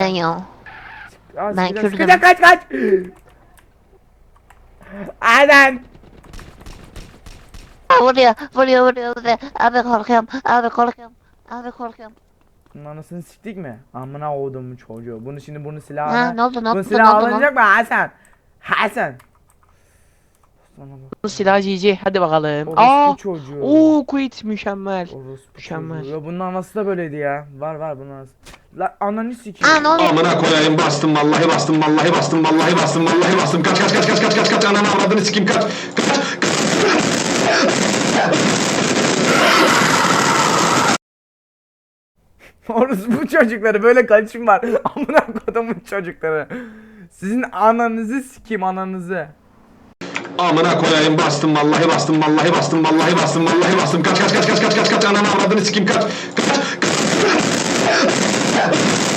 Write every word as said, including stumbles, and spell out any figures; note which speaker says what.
Speaker 1: ya.
Speaker 2: Aa,
Speaker 1: Ben
Speaker 2: sıkacak,
Speaker 1: Kürdüm.
Speaker 2: sıkacak, kaç kaç. Aynen.
Speaker 1: Vuruyor, vuruyor, vuruyor, vuruyor. Abi korkuyorum, abi korkuyorum. Abi korkuyorum.
Speaker 2: Bunun anasını siktik mi? Amına kodumun çocuğu. Bunu şimdi bunu
Speaker 1: Ha,
Speaker 2: silahına.
Speaker 1: ne oldu, ne
Speaker 2: Bunu
Speaker 1: oldu, ne
Speaker 2: silah
Speaker 1: oldu mu?
Speaker 2: alınacak mı Hasan? Hasan. Sana bak.
Speaker 3: Bu silah G G. Hadi bakalım.
Speaker 2: Orospu
Speaker 3: Aa!
Speaker 2: çocuğu.
Speaker 3: Oo, quit mükemmel.
Speaker 2: Orospu
Speaker 3: Mükemmel.
Speaker 2: çocuğu. Ya bunun anası da böyleydi ya. Var var bunun anası. La ananı sikeyim.
Speaker 1: Aa, ne oluyor?
Speaker 4: Amına koyayım bastım vallahi bastım vallahi bastım vallahi bastım vallahi bastım kaç kaç kaç kaç kaç kaç kaç ananı avradını sikeyim kaç kaç kaç.
Speaker 2: Orospu çocukları böyle kaçım var. Amına kodumun çocukları. Sizin ananızı sikeyim ananızı.
Speaker 4: Amına koyayım bastım vallahi bastım vallahi bastım vallahi bastım vallahi bastım kaç kaç kaç kaç kaç kaç kaç ananı avradını sikeyim kaç kaç kaç.